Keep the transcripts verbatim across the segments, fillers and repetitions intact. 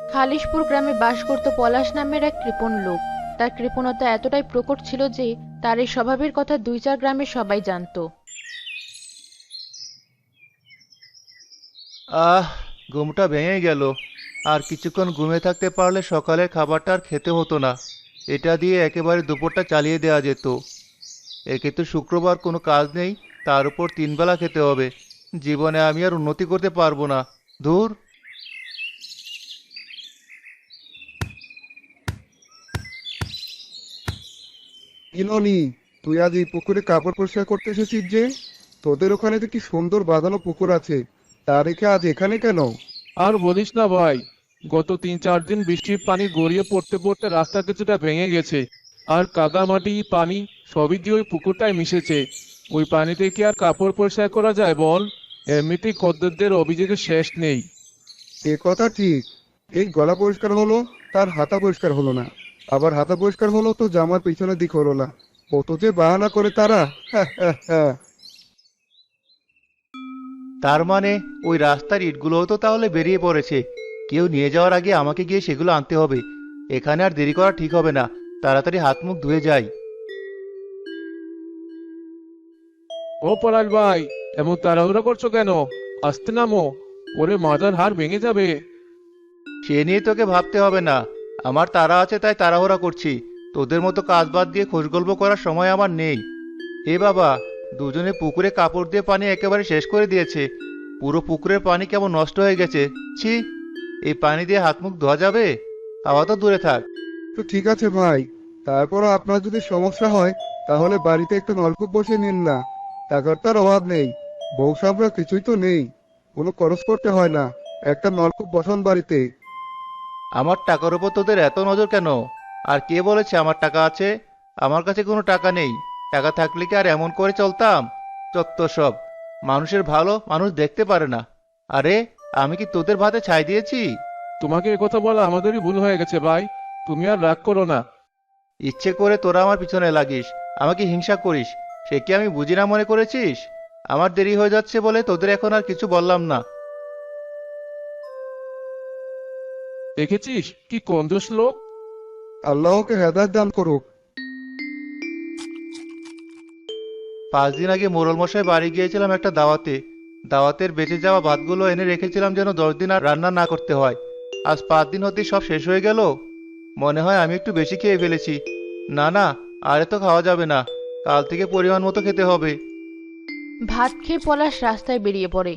খালিশপুর গ্রামে বাস করত পলাশ নামের এক কৃপণ লোক। তার কৃপণতা এতটাই প্রকট ছিল যে তার এই স্বভাবের কথা দুই চার গ্রামের সবাই জানতো। আহ, ঘুমটা ভেঙে গেল। আর কিছুক্ষণ ঘুমিয়ে থাকতে পারলে সকালের খাবারটা আর খেতে হতো না। এটা দিয়ে একেবারে দুপুরটা চালিয়ে দেওয়া যেত। একে তো শুক্রবার কোনো কাজ নেই, তার উপর তিন বেলা খেতে হবে। জীবনে আমি আর উন্নতি করতে পারবো না। ধুর। ইলনি, তুই আজ এই পুকুরে কাপড় পরিষ্কার করতে এসেছিস যে? তোদের ওখানে তো কি সুন্দর বাঁধানো পুকুর আছে, তা রেখে আজ এখানে কেন? আর বলিস না ভাই, গত তিন চার দিন বৃষ্টির পানি গড়িয়ে পড়তে পড়তে রাস্তা কিছুটা ভেঙে গেছে। আর কাদা মাটি পানি সবই দিয়ে ওই পুকুরটায় মিশেছে। ওই পানিতে কি আর কাপড় পরিষ্কার করা যায় বল? এমনিতেই খদ্দেরদের অভিযোগের শেষ নেই। এ কথা ঠিক। এই গলা পরিষ্কার হলো, তার হাতা পরিষ্কার হলো না। আবার হাতা পরিষ্কার হলো তো জামার পিছনের দিক হলো না। কত যে বাহানা করে তারা! হ্যাঁ হ্যাঁ হ্যাঁ। তার মানে ওই রাস্তার ইটগুলোও তো তাহলে বেরিয়ে পড়েছে। কেউ নিয়ে যাওয়ার আগে আমাকে গিয়ে সেগুলো আনতে হবে। এখানে আর দেরি করা ঠিক হবে না। তাড়াতাড়ি হাত মুখ ধুয়ে যাই। ও পলাশ ভাই, এমন তাড়াহুড়ো করছো কেন? আসতে নামো, ওরে মাথার হাড় ভেঙে যাবে। সে নিয়ে তোকে ভাবতে হবে না। আমার তাড়া আছে তাই তাড়াহুড়া করছি। তোদের মতো কাজ বাদ দিয়ে খোশগল্প করার সময় আমার নেই। এ বাবা, দুজনে পুকুরে কাপড় দিয়ে পানি একেবারে শেষ করে দিয়েছে। পুরো পুকুরের পানি কেমন নষ্ট হয়ে গেছে। ছি, এই পানি দিয়ে হাত মুখ ধোয়া যাবে? হাওয়া তো দূরে থাক। তো ঠিক আছে ভাই, তারপরও আপনার যদি সমস্যা হয় তাহলে বাড়িতে একটা নলকূপ বসিয়ে নিন না। টাকার তার অভাব নেই, বউ সামরা কিছুই তো নেই, কোনো খরচ করতে হয় না। একটা নলকূপ বসান বাড়িতে। আমার টাকার উপর তোদের এত নজর কেন? আর কে বলেছে আমার টাকা আছে? আমার কাছে কোনো টাকা নেই। টাকা থাকলে কি আর এমন করে চলতাম? চত্ব সব। মানুষের ভালো মানুষ দেখতে পারে না। আরে, আমি কি তোদের ভাতে ছাই দিয়েছি? তোমাকে একথা বলা আমাদেরই ভুল হয়ে গেছে ভাই, তুমি আর রাগ করো না। ইচ্ছে করে তোরা আমার পিছনে লাগিস, আমাকে হিংসা করিস। সে কি আমি বুঝি না মনে করেছিস? আমার দেরি হয়ে যাচ্ছে বলে তোদের এখন আর কিছু বললাম না। দেখেছিস কি কঞ্জুস লোক। আল্লাহকে হেদায়েত দান করুক। পাঁচ দিন আগে মোড়ল মশাই বাড়ি গিয়েছিলাম একটা দাওয়াতে। দাওয়াতের বেঁচে যাওয়া ভাতগুলো এনে রেখেছিলাম যেন দশ দিন আর রান্না না করতে হয়। আজ পাঁচ দিন হতেই সব শেষ হয়ে গেল। মনে হয় আমি একটু বেশি খেয়ে ফেলেছি। না না, আর এত খাওয়া যাবে না। কাল থেকে পরিমাণ মতো খেতে হবে। ভাত খেয়ে পলাশ রাস্তায় বেরিয়ে পড়ে।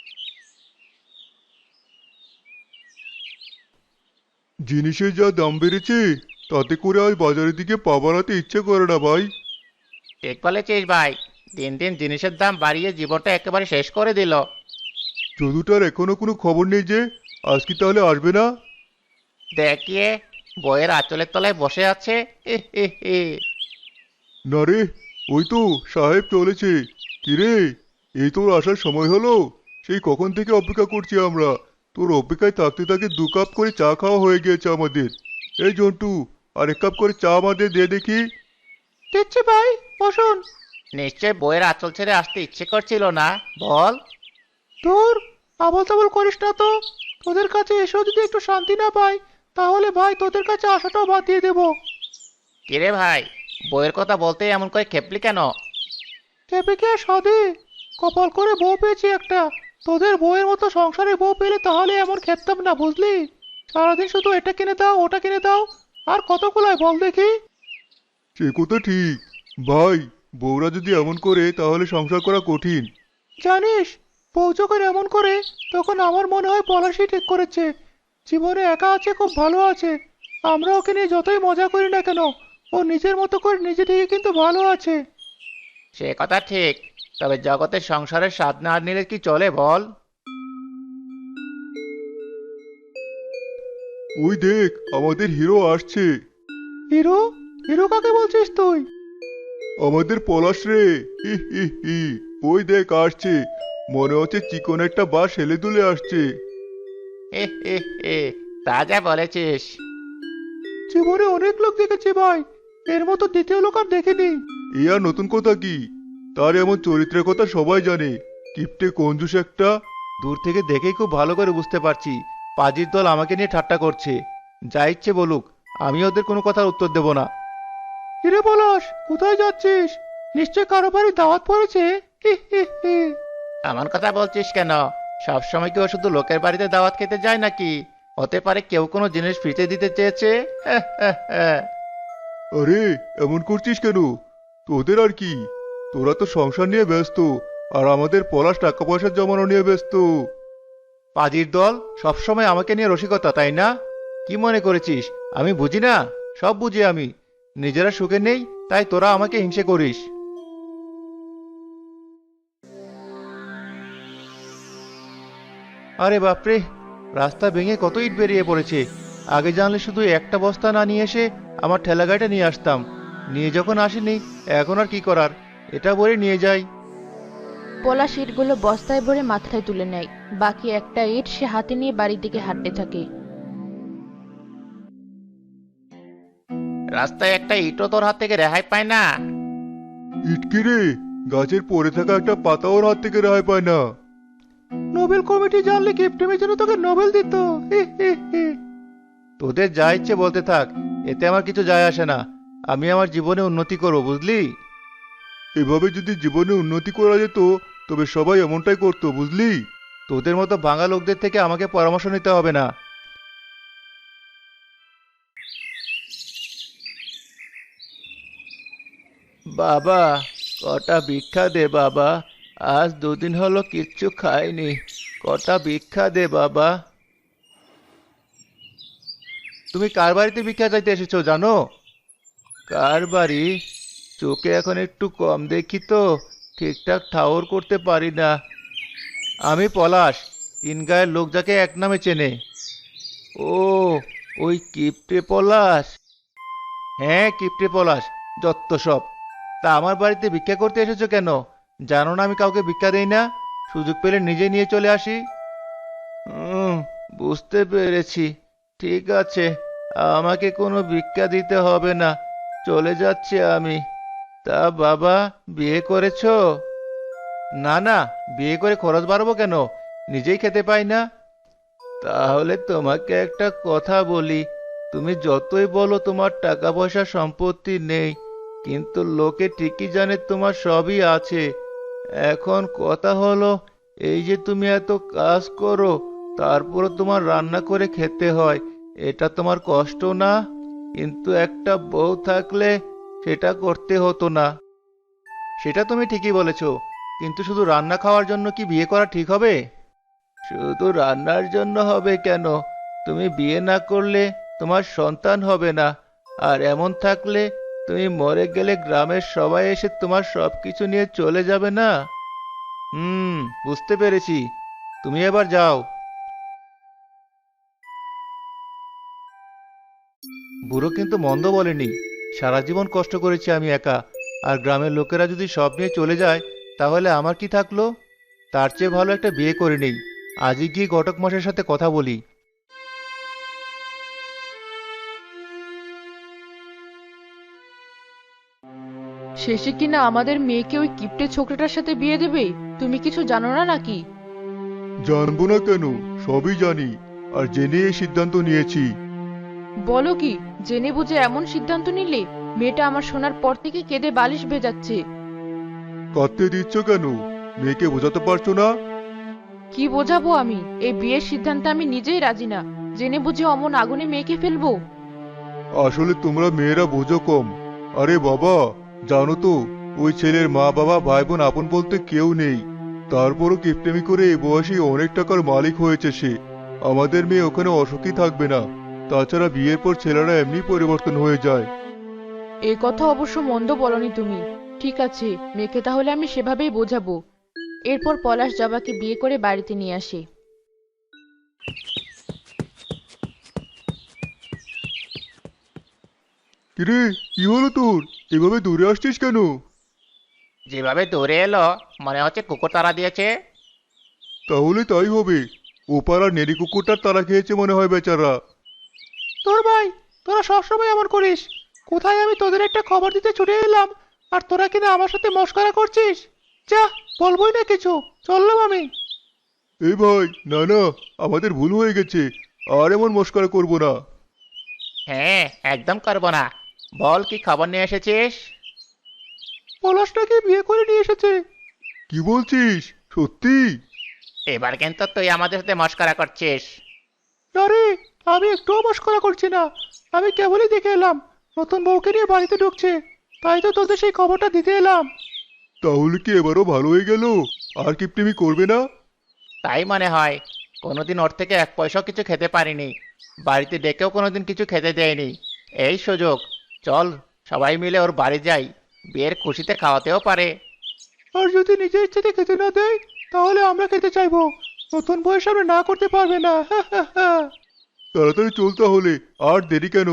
জিনিসের যা দাম বেড়েছে, তাতে করে আজ বাজারের দিকে পা বাড়াতে ইচ্ছে করে না ভাই। ঠিক বলেছিস ভাই। দিন দিন জিনিসের দাম বাড়িয়ে জীবনটা একেবারে শেষ করে দিল। যদুটার এখনো কোনো খবর নেই যে আজ কি তাহলে আসবে না? দেখিয়ে বইয়ের আঁচলের তলায় বসে আছে। হে হে হে। না রে, ওই তো সাহেব চলেছে। কিরে, এই তোর আসার সময় হলো? সেই কখন থেকে অপেক্ষা করছি আমরা। তোর অপেক্ষায় থাকতে থাকতে দু কাপ করে চা খাওয়া হয়ে গিয়েছে আমাদের। এই জন্টু, আর এক কাপ করে চা আমাদের দে দেখি। দিচ্ছি ভাই, বসুন। নিশ্চয় বইয়ের আঁচল ছেড়ে আসতে ইচ্ছে করছিল না, বল? তোর আবল তাবল করিস না তো। তোদের কাছে এসেও যদি একটু শান্তি না পাই, তাহলে ভাই তোদের কাছে আসাটাও বাদ দিয়ে দেবো। কিরে ভাই, বইয়ের কথা বলতে এমন করে খেপলি কেন? খেপে কি আর সাধে? কপাল করে বউ পেয়েছি একটা। তোদের বউয়ের মতো সংসারে বউ পেলে তাহলে এমন খেপতাম না, বুঝলি? সারাদিন শুধু এটা কিনে দাও ওটা কিনে দাও। আর কত কুলায় বল দেখি? সে কথা ঠিক। ভাই, বউরা যদি এমন করে তাহলে সংসার করা কঠিন। জানিস, বউ যখন এমন করে তখন আমার মনে হয় পলাশই ঠিক করেছে। জীবনে একা আছে, খুব ভালো আছে। আমরা ওকে নিয়ে যতই মজা করি না কেন, ও নিজের মতো করে নিজে থেকে কিন্তু ভালো আছে। সে কথা ঠিক। তবে জগতের সংসারের স্বাদ না নিলে কি চলে বল? ওই দেখ, আমাদের হিরো আসছে। হিরো? হিরো কাকে বলছিস তুই? আমাদের পলাশ রে। হি হি হি। ওই দেখ আসছে। মনে হচ্ছে চিকন একটা বাস হেলে দুলে আসছে। হে হে হে, তা যা বলেছিস। জীবনে অনেক লোক দেখেছি ভাই, এর মতো দ্বিতীয় লোক আর দেখিনি। এ আর নতুন কথা কি? তার এমন চরিত্রের কথা সবাই জানে। কিপটে কঞ্জুস একটা। দূর থেকে দেখেই খুব ভালো করে বুঝতে পারছি পাজির দল আমাকে নিয়ে ঠাট্টা করছে। যা ইচ্ছে বলুক, আমি ওদের কোনো কথার উত্তর দেব না। কিরে পলাশ, কোথায় যাচ্ছিস? নিশ্চয় কারো বাড়ি দাওয়াত পড়েছে। এমন কথা বলছিস কেন? সবসময় কি ও শুধু লোকের বাড়িতে দাওয়াত খেতে যায় নাকি? হতে পারে কেউ কোনো জিনিস ফ্রিতে দিতে চেয়েছে। আরে এমন করছিস কেন? তোদের আর কি, তোরা তো সংসার নিয়ে ব্যস্ত, আর আমাদের পলাশ টাকা পয়সা জমানো নিয়ে ব্যস্ত। পাজির দল সবসময় আমাকে নিয়ে রসিকতা, তাই না? কি মনে করেছিস আমি বুঝি না? সব বুঝি আমি। নিজেরা সুখে নেই তাই তোরা আমাকে হিংসে করিস। আরে বাপরে, রাস্তা ভেঙে কত ইট বেরিয়ে পড়েছে। আগে জানলে শুধু একটা বস্তা না নিয়ে এসে আমার ঠেলা গাড়িটা নিয়ে আসতাম। নিয়ে যখন আসেনি, এখন আর কি করার, এটা বলে নিয়ে যাই। পলাশ ইটগুলো বস্তায় ভরে মাথায় তুলে নেয়, বাকি একটা ইট সে হাতে নিয়ে বাড়ির দিকে হাঁটতে থাকে। রাস্তায় একটা ইটও তোর হাত থেকে রেহাই পায় না। ইটকি রে, গাছের পড়ে থাকা একটা পাতা ওর হাত থেকে রেহাই পায় না। নোবেল কমিটি জানলে গিফটের জন্য তোকে নোবেল দিত। তোদের যা ইচ্ছে বলতে থাক, এতে আমার কিছু যায় আসে না। আমি আমার জীবনে উন্নতি করব, বুঝলি? এভাবে যদি জীবনে উন্নতি করা যেত তবে সবাই এমনটাই করতো, বুঝলি? তোদের মতো ভাঙা লোকদের থেকে আমাকে পরামর্শ নিতে হবে না। বাবা, কটা ভিক্ষা দে বাবা। আজ দুদিন হলো কিচ্ছু খাইনি। কটা ভিক্ষা দে বাবা। তুমি কার বাড়িতে ভিক্ষা চাইতে এসেছো জানো? কার বাড়ি? চোখে এখন একটু কম দেখি তো, ঠিকঠাক ঠাউর করতে পারি না। আমি পলাশ, তিন গায়ের লোক যাকে এক নামে চেনে। ও, ওই কিপটে পলাশ। হ্যাঁ, কিপটে পলাশ, যত সব। তা আমার বাড়িতে ভিক্ষা করতে এসেছো কেন? জানো না আমি কাউকে ভিক্ষা দেই না, সুযোগ পেলে নিজে নিয়ে চলে আসি। হুম, বুঝতে পেরেছি। ঠিক আছে, আমাকে কোনো ভিক্ষা দিতে হবে না, চলে যাচ্ছি আমি। তা বাবা, বিয়ে করেছো? না না, বিয়ে করে খরচ বাড়াবো কেন? নিজেই খেতে পাই না। তাহলে তোমাকে একটা কথা বলি, তুমি যতই বলো তোমার টাকা পয়সা সম্পত্তি নেই, কিন্তু লোকে ঠিকই জানে তোমার সবই আছে। এখন কথা হলো, এই যে তুমি এত কাজ করো, তারপরও তোমার রান্না করে খেতে হয়, এটা তোমার কষ্ট না? কিন্তু একটা বউ থাকলে সেটা করতে হতো না। সেটা তুমি ঠিকই বলেছো, কিন্তু শুধু রান্না খাওয়ার জন্য কি বিয়ে করা ঠিক হবে? শুধু রান্নার জন্য হবে কেন? তুমি বিয়ে না করলে তোমার সন্তান হবে না, আর এমন থাকলে তুমি মরে গেলে গ্রামের সবাই এসে তোমার সবকিছু নিয়ে চলে যাবে না? হুম, বুঝতে পেরেছি। তুমি এবার যাও। বুড়ো কিন্তু মন্দ বলেনি। সারা জীবন কষ্ট করেছি আমি একা, আর গ্রামের লোকেরা যদি সব নিয়ে চলে যায় তাহলে আমার কি থাকলো? তার চেয়ে ভালো একটা বিয়ে করে নেই। আজই গিয়ে ঘটক মশাইয়ের সাথে কথা বলি। শেষে কিনা আমাদের মেয়েকে ওই কিপ্টে ছোকরাটার সাথে বিয়ে দেবে? তুমি কিছু জানো না নাকি? জানবো না কেন, সবই জানি, আর জেনে এই সিদ্ধান্ত নিয়েছি। বলো কি, জেনে বুঝে এমন সিদ্ধান্ত নিলে? মেয়েটা আমার শোনার পর থেকে কেঁদে বালিশ ভেজাচ্ছে। কাঁদতে দিচ্ছ কেন? মেয়েকে বোঝাতে পারছো না? কি বোঝাবো আমি? এই বিয়ের সিদ্ধান্তে আমি নিজেই রাজি না। জেনে বুঝে অমন আগুনে মেয়েকে ফেলবো? আসলে তোমরা মেয়েরা বোঝো কম। আরে বাবা, জানো তো, ওই ছেলের মা বাবা ভাই বোন আপন বলতে কেউ নেই। তারপরও কিপটেমি করে এই বয়সে অনেক টাকার মালিক হয়েছে সে। আমাদের মেয়ে ওখানে অসুখী থাকবে না। তাছাড়া বিয়ের পর ছেলেরা এমনি পরিবর্তন হয়ে যায়। এই কথা অবশ্য মন্দ বলনি তুমি। ঠিক আছে, মেয়েকে তাহলে আমি সেভাবেই বোঝাবো। এরপর পলাশ জবাকে বিয়ে করে বাড়িতে নিয়ে আসে। কিরে, কি হলো তোর? এভাবে দূরে আসছিস কেন? যেভাবে দৌড়ে এলো, মনে হচ্ছে কুকুর তাড়া দিয়েছে। তাহলে তাই হবে। ও পাড়ার নেড়ি কুকুরটার তারা খেয়েছে মনে হয় বেচারা। তোর ভাই, তোরা সবসময় এমন করিস। কোথায় আমি তোদের একটা খবর দিতে ছুটে এলাম, আর তোরা কিনা আমার সাথে মশকরা করছিস। যা, বলবোই না কিছু, চললাম আমি। এই ভাই, না না, আমাদের ভুল হয়ে গেছে। আর এমন মস্করা করবো না। হ্যাঁ, একদম করবো না। বল, কি খবর নিয়ে এসেছিস? পলাশটাকে বিয়ে করে নিয়ে এসেছে। কি বলছিস, সত্যি? এবার কিন্তু তুই আমাদের সাথে মস্করা করছিস। না রে, আমি একটুও মস্করা করছি না। আমি কেবলই দেখে এলাম নতুন বউকে নিয়ে বাড়িতে ঢুকছে, তাই তো তোদের সেই খবরটা দিতে এলাম। তাহলে কি এবারও ভালো হয়ে গেল? আর কিপটেমি করবে না? তাই মনে হয়। কোনোদিন ওর থেকে এক পয়সাও কিছু খেতে পারিনি, বাড়িতে ডেকেও কোনোদিন কিছু খেতে দেয়নি। এই সুযোগ, চল সবাই মিলে ওর বাড়ি যাই, বিয়ের খুশিতে খাওয়াতেও পারে। আর যদি নিজের ইচ্ছেতে খেতে না দেয়, তাহলে আমরা খেতে চাইবো। নতুন বউয়ের সামনে না করতে পারবে না। হা হা হা। তাড়াতাড়ি চল তাহলে, আর দেরি কেন?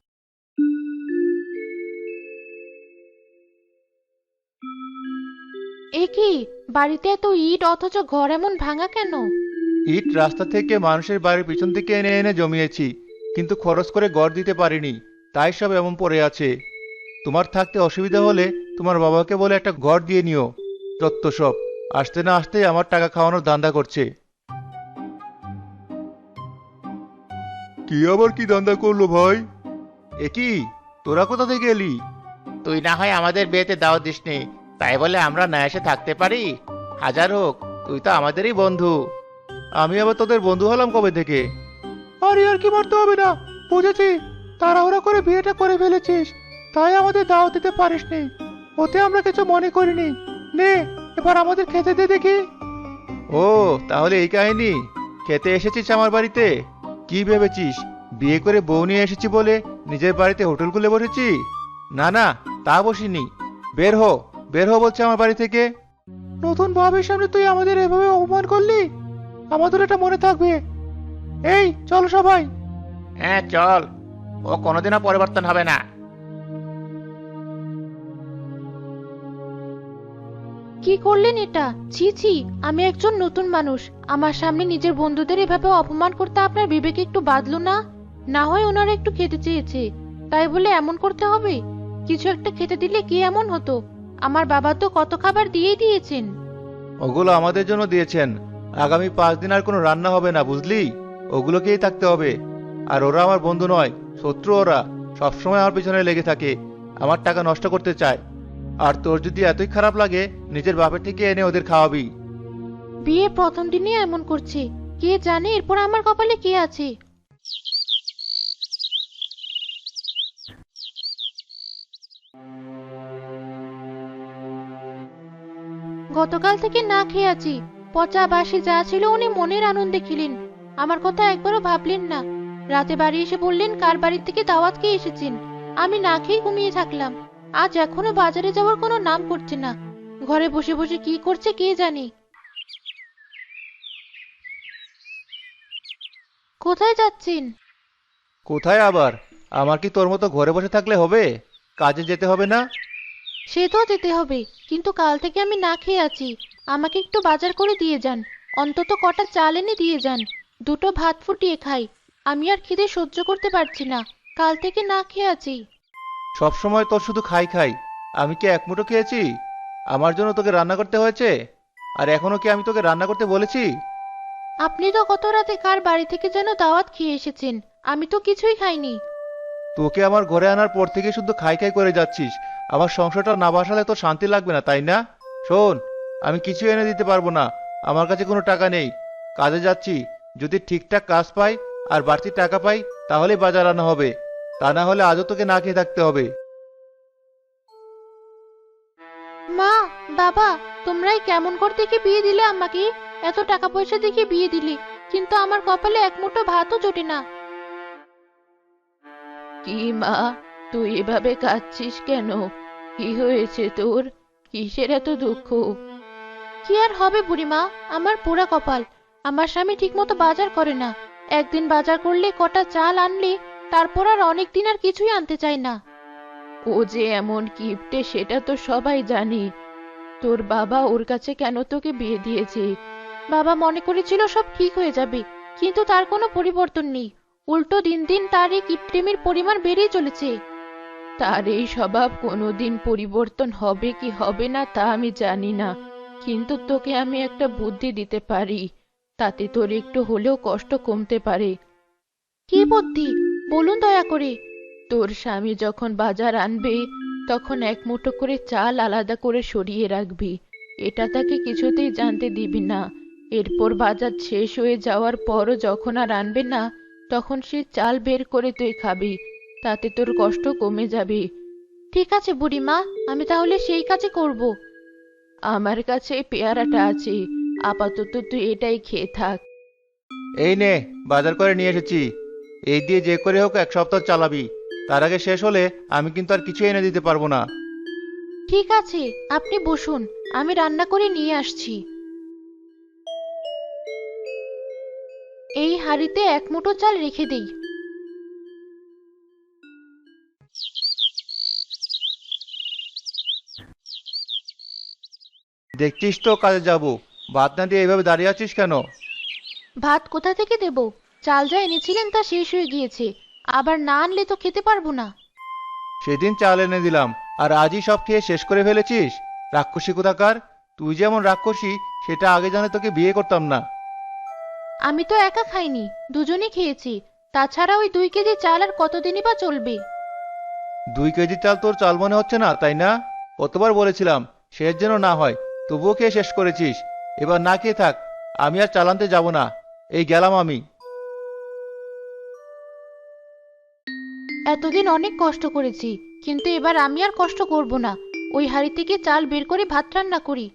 এ কি, বাড়িতে এত ইট অথচ ঘর এমন ভাঙা কেন? ইট রাস্তা থেকে মানুষের বাড়ির পিছন থেকে এনে এনে জমিয়েছি, কিন্তু খরচ করে গড় দিতে পারিনি, তাই সব এমন পড়ে আছে। তোমার থাকতে অসুবিধা হলে তোমার বাবাকে বলে একটা ঘর দিয়ে নিও। যত সব, আসতে না আসতে আমার টাকা খাওয়ানোর ধান্দা করছে। কি আবার কি ধান্দা করলো ভাই? এ কি, তোরা কোথা থেকে এলি? তুই না হয় আমাদের বিয়েতে দাওয়াত দিসনি, তাই বলে আমরা না এসে থাকতে পারি? হাজার হোক, তুই তো আমাদেরই বন্ধু। আমি আবার তোদের বন্ধু হলাম কবে থেকে? আর আর কি মারতে হবে না, বুঝেছি। তাড়াহুড়া করে বিয়েটা করে ফেলেছিস, তাই আমাদের দাওয়াত দিতে পারিসনি। ওতে আমরা কিছু মনে করিনি। নে, এবার আমাদের খেতে দে দেখি। ও, তাহলে এই কাহিনী। খেতে এসেছিস আমার বাড়িতে? কি ভেবেছিস বিয়ে করে বউ নিয়ে এসেছি বলে নিজের বাড়িতে হোটেল খুলে বসেছি? না না, তা বসিনি। বের হো, বের হো বলছে আমার বাড়ি থেকে। নতুন ভাবের সামনে তুই আমাদের এভাবে অপমান করলি, আমাদের এটা মনে থাকবে। এই চল সবাই। হ্যাঁ চল, ও কোনোদিনও পরিবর্তন হবে না। কি করলেন এটা? ছি ছি, আমি একজন নতুন মানুষ, আমার সামনে নিজের বন্ধুদের এভাবে অপমান করতে আপনার বিবেকে একটু বাঁধলো না? না হয় ওনারা একটু খেতে চেয়েছে, তাই বলে এমন করতে হবে? কিছু একটা খেতে দিলে কি এমন হতো? আমার বাবা তো কত খাবার দিয়েই দিয়েছেন। ওগুলো আমাদের জন্য দিয়েছেন। আগামী পাঁচ দিন আর কোনো রান্না হবে না, বুঝলি? ওগুলোকেই থাকতে হবে। আর ওরা আমার বন্ধু নয়, শত্রু। ওরা সবসময় আমার পিছনে লেগে থাকে, আমার টাকা নষ্ট করতে চায়। আর তোর যদি এতই খারাপ লাগে, নিজের বাপের থেকে এনে ওদের খাওয়াবি। বিয়ে প্রথম দিনে এমন করছে, কে জানে এরপর আমার কপালে কে আছে। গতকাল থেকে না খেয়ে আছি, পচা বাসি যা ছিল উনি মনের আনন্দে খেলেন, আমার কথা একবারও ভাবলেন না। রাতে বাড়ি এসে বললেন কার বাড়ি থেকে দাওয়াত খেয়ে এসেছেন। আমি না খেয়ে ঘুমিয়ে থাকলাম। আজ এখনো বাজারে যাওয়ার কোনো নাম করছে না। ঘরে বসে বসে কি করছে কে জানে। কোথায় যাচ্ছেন? কোথায় আবার? আমার কি তোর মতো ঘরে বসে থাকলে হবে? কাজে যেতে হবে না? সে তো যেতে হবে, কিন্তু কাল থেকে আমি না খেয়ে আছি। আমাকে একটু বাজার করে দিয়ে যান, অন্তত কটা চাল এনে দিয়ে যান। দুটো ভাত ফুটিয়ে খাই, আমি আর খিদে সহ্য করতে পারছি না। কাল থেকে না খেয়ে আছি। সব সময় তোর শুধু খাই খাই। আমি কি এক মুঠো খেয়েছি? আমার জন্য তোকে রান্না করতে হয়েছে। আর এখনো কি আমি তোকে রান্না করতে বলেছি? আপনি তো গত রাতে কার বাড়ি থেকে যেন দাওয়াত খেয়ে এসেছেন, আমি তো কিছুই খাইনি। তোকে আমার ঘরে আনার পর থেকে শুধু খাই খাই করে যাচ্ছিস। আমার সংসারটা না বাসালে তোর শান্তি লাগবে না, তাই না? শোন, আমি কিছু এনে দিতে পারবো না। আমার কাছে কোনো টাকা নেই। কাজে যাচ্ছি, যদি ঠিকঠাক কাজ পাই আর বাড়তি টাকা পাই তাহলে বাজার আনা হবে। তা না হলে আজও তোকে না খেয়ে থাকতে হবে। মা, বাবা, তোমরাই কেমন করে দেখে বিয়ে দিলে আমাকে? এত টাকা পয়সা দেখে বিয়ে দিলে, কিন্তু আমার কপালে এক মুঠো ভাতও জোটে না। কি মা, তুই এভাবে কাঁদছিস কেন? কি হয়েছে তোর? কিসের এত দুঃখ? কি আর হবে বুড়িমা, আমার পোড়া কপাল। আমার স্বামী ঠিকমতো বাজার করে না। একদিন বাজার করলে কটা চাল আনলে, তারপর আর অনেক দিন আর কিছুই আনতে চায় না। ও যে এমন কিপটে সেটা তো সবাই জানি। তোর বাবা ওর কাছে কেন তোকে বিয়ে দিয়েছে? বাবা মনে করেছিল সব ঠিক হয়ে যাবে, কিন্তু তার কোনো পরিবর্তন নেই। উল্টো দিন দিন তার এই কিপটেমির পরিমাণ বেড়েই চলেছে। তার এই স্বভাব কোনোদিন পরিবর্তন হবে কি হবে না তা আমি জানি না, কিন্তু তোকে আমি একটা বুদ্ধি দিতে পারি। তাতে তোর একটু হলেও কষ্ট কমতে পারে। কি বুদ্ধি বলুন দয়া করে। তোর স্বামী যখন বাজার আনবে তখন এক মুঠো করে চাল আলাদা করে সরিয়ে রাখবি। এটা তাকে কিছুতেই জানতে দিবি না। এরপর বাজার শেষ হয়ে যাওয়ার পরও যখন আর আনবে না, তখন সে চাল বের করে তুই খাবি। তাতে তোর কষ্ট কমে যাবে। ঠিক আছে বুড়িমা, আমি তাহলে সেই কাজই করব। আমার কাছে এই পেয়ারাটা আছে, আপাতত তুই এটাই খেয়ে থাক। এই নে, বাজার করে নিয়ে এসেছি। এই দিয়ে যে করে হোক এক সপ্তাহ চালাবি। তার আগে শেষ হলে আমি কিন্তু আর কিছু এনে দিতে পারবো না। ঠিক আছে, আপনি বসুন, আমি রান্না করে নিয়ে আসছি। এই হাঁড়িতে এক মুঠো চাল রেখে দেই। দেখছিস তো কাজে যাব, ভাত না দিয়ে এইভাবে দাঁড়িয়ে আছিস কেন? ভাত কোথা থেকে দেব? চাল যা এনেছিলেন তা শেষ হয়ে গিয়েছে, আবার না আনলে তো খেতে পারবো না। সেদিন চাল এনে দিলাম, আর আজই সব খেয়ে শেষ করে ফেলেছিস? রাক্ষসী কোথাকার! তুই যেমন রাক্ষসী সেটা আগে জানে তোকে বিয়ে করতাম না। আমি তো একা খাইনি, দুজনে খেয়েছি। তাছাড়া ওই দুই কেজি চাল আর কতদিনই বা চলবে? দুই কেজি চাল তোর চাল মনে হচ্ছে না, তাই না? কতবার বলেছিলাম শেষ যেন না হয়, তবুও খেয়ে শেষ করেছিস। এবার না খেয়ে থাক, আমি আর চাল আনতে যাব না। এই গেলাম আমি। এতদিন অনেক কষ্ট করেছি, কিন্তু এবার আমি আর কষ্ট করব না। ওই হাঁড়ি থেকে চাল বের করে ভাত রান্না করি।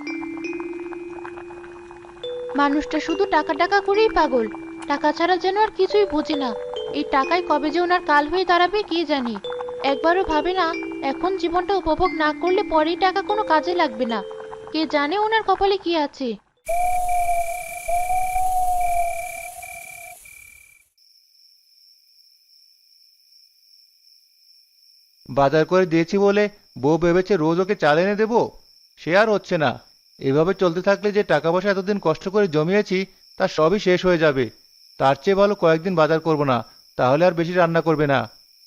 মানুষটা শুধু টাকা টাকা করেই পাগল, টাকা ছাড়া যেন আর কিছুই বোঝে না। এই টাকায় কবে যে ওনার কাল হয়ে দাঁড়াবে কে জানে। একবারও ভাবে না এখন জীবনটা উপভোগ না করলে পরেই টাকা কোনো কাজে লাগবে না। কে জানে ওনার কপালে কি আছে। বাজার করে দিয়েছি বলে বউ ভেবেছে রোজ ওকে চাল এনে দেবো? সে আর হচ্ছে না। এভাবে চলতে থাকলে যে টাকা পয়সা এতদিন কষ্ট করে জমিয়েছি তা সবই শেষ হয়ে যাবে। তার চেয়ে ভালো কয়েকদিন বাজার করব না, তাহলে আর বেশি রান্না করবে না।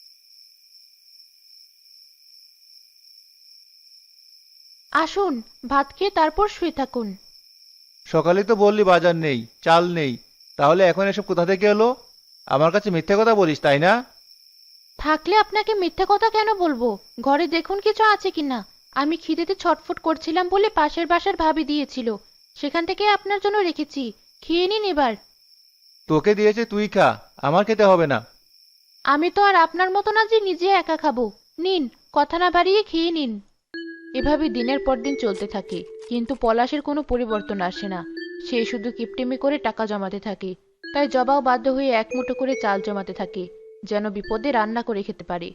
আসুন, ভাত খেয়ে তারপর শুয়ে থাকুন। সকালে তো বললি বাজার নেই, চাল নেই, তাহলে এখন এসব কোথা থেকে এলো? আমার কাছে মিথ্যে কথা বলিস, তাই না? থাকলে আপনাকে মিথ্যা কথা কেন বলবো? ঘরে দেখুন কিছু আছে কিনা। আমি খিদেতে ছটফট করছিলাম বলে পাশের বাসার ভাবি দিয়েছিল, সেখান থেকে আপনার জন্য রেখেছি। খেয়ে নিন এবার। তোকে দিয়েছে তুই খা, আমার খেতে হবে না। আমি তো আর আপনার মতো না যে নিজে একা খাবো। নিন, কথা না বাড়িয়ে খেয়ে নিন। এভাবে দিনের পর দিন চলতে থাকে, কিন্তু পলাশের কোনো পরিবর্তন আসে না। সে শুধু কিপটেমি করে টাকা জমাতে থাকে। তাই জবাও বাধ্য হয়ে এক মুঠো করে চাল জমাতে থাকে, যেন বিপদে রান্না করে খেতে পারে।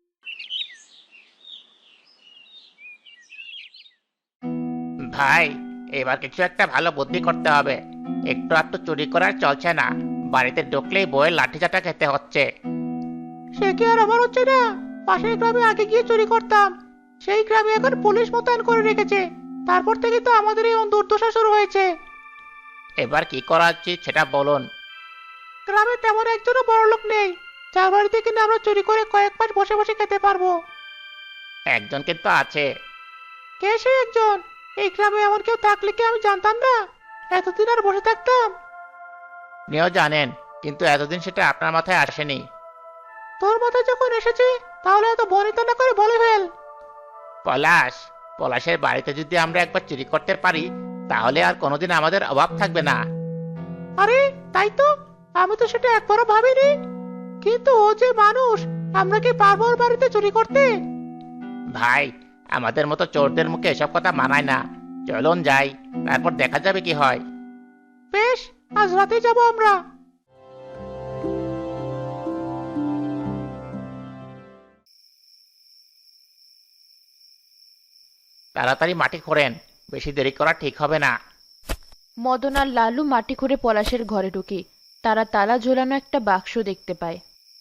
ভাই, এবার কিছু একটা ভালো বুদ্ধি করতে হবে। একটু আধটু চুরি করার চলছে না, বাড়িতে ঢুকলেই বইয়ের লাঠিচাটা খেতে হচ্ছে। সে কি আর আমার হচ্ছে না? পাশের গ্রামে আগে গিয়ে চুরি করতাম, সেই গ্রামে এখন পুলিশ মোতায়েন করে রেখেছে। তারপর থেকে তো আমাদের এই দুর্দশা শুরু হয়েছে। এবার কি করা উচিত সেটা বলুন। গ্রামে তেমন একজনও বড়লোক নেই যার বাড়িতে কিনা আমরা চুরি করে কয়েক মাস বসে বসে খেতে পারবো। একজন কিন্তু আছে। কে সে একজন? এই গ্রামে এমন কেউ থাকলে কি আমি জানতাম না? এতদিন আর বসে থাকতাম? আপনিও জানেন, কিন্তু এতদিন সেটা আপনার মাথায় আসেনি। তোর মাথায় যখন এসেছে তাহলে এত বনিতা না করে বলে ফেল। পলাশ, পলাশের বাড়িতে যদি আমরা একবার চুরি করতে পারি তাহলে আর কোনোদিন আমাদের অভাব থাকবে না। আরে তাই তো, আমি তো সেটা একবারও ভাবিনি। কিন্তু ও যে মানুষ, আমরা কি পারবো ওর বাড়িতে চুরি করতে? ভাই, আমাদের মতো চোরদের মুখে এসব কথা মানায় না। চলুন যাই, তারপর দেখা যাবে কি হয়। বেশ, আজ রাতে যাব আমরা। তাড়াতাড়ি মাটি খোঁড়েন, বেশি দেরি করা ঠিক হবে না। মদন আর লালু মাটি খুঁড়ে পলাশের ঘরে ঢুকে তারা তালা ঝোলানো একটা বাক্স দেখতে পায়।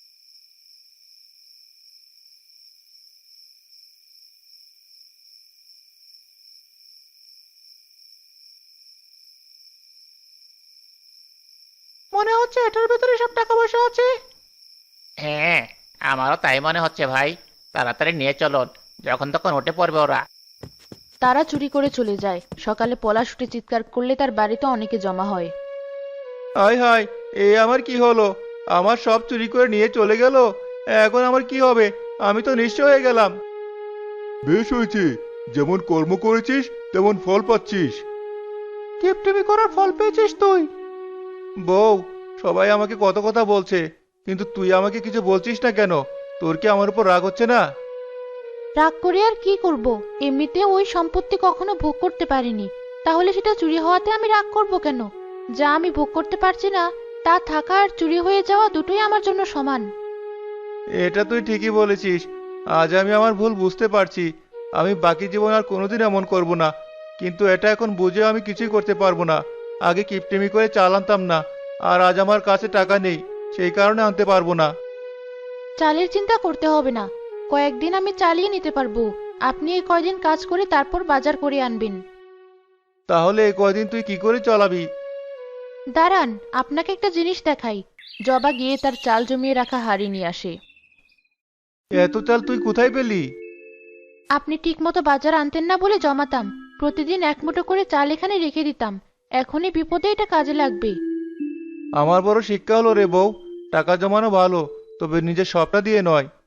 মনে হচ্ছে এটার ভেতরে সব টাকা পয়সা আছে। হ্যাঁ, আমারও তাই মনে হচ্ছে ভাই। তাড়াতাড়ি নিয়ে চলুন, যখন তখন উঠে পড়বে ওরা। তারা চুরি করে চলে যায়। সকালে পলাশ উঠে চিৎকার করলে তার বাড়িতে অনেকে জমা হয়। হায় হায়, এ আমার কি হলো? আমার সব চুরি করে নিয়ে চলে গেল। এখন আমার কি হবে? আমি তো নিঃস্ব হয়ে গেলাম। বেশ হয়েছে, যেমন কর্ম করেছিস তেমন ফল পাচ্ছিস। কিপটেমি করার ফল পেয়েছিস তুই? বউ, সবাই আমাকে কত কথা বলছে, কিন্তু তুই আমাকে কিছু বলছিস না কেন? তোর কি আমার উপর রাগ হচ্ছে না? রাগ করে আর কি করব? এমনিতে ওই সম্পত্তি কখনো ভোগ করতে পারিনি, তাহলে সেটা চুরি হওয়াতে আমি রাগ করব কেন? যা আমি ভোগ করতে পারছি না তা থাকা আর চুরি হয়ে যাওয়া দুটোই আমার জন্য সমান। এটা তুই ঠিকই বলেছিস। আজ আমি আমার ভুল বুঝতে পারছি। আমি বাকি জীবন আর কোনোদিন এমন করব না। কিন্তু এটা এখন বুঝে আমি কিছুই করতে পারবো না। আগে কিপটেমি করে চাল আনতাম না, আর আজ আমার কাছে টাকা নেই, সেই কারণে আনতে পারবো না। চালের চিন্তা করতে হবে না, কয়েকদিন আমি চালিয়ে নিতে পারবো। আপনি এই কয়দিন কাজ করে তারপর বাজার করে আনবেন। তাহলে এই কয়দিন তুই কি করে চালাবি? দাঁড়ান, আপনাকে একটা জিনিস দেখাই। জবা গিয়ে তার চাল জমিয়ে রাখা হাঁড়ি নিয়ে আসে। এত চাল তুই কোথায় পেলি? আপনি ঠিকমতো বাজার আনতেন না বলে জমাতাম। প্রতিদিন এক মুঠো করে চাল এখানে রেখে দিতাম। এখনই বিপদে এটা কাজে লাগবে। আমার বড় শিক্ষা হলো রে বউ। টাকা জমানো ভালো, তবে নিজের সবটা দিয়ে নয়।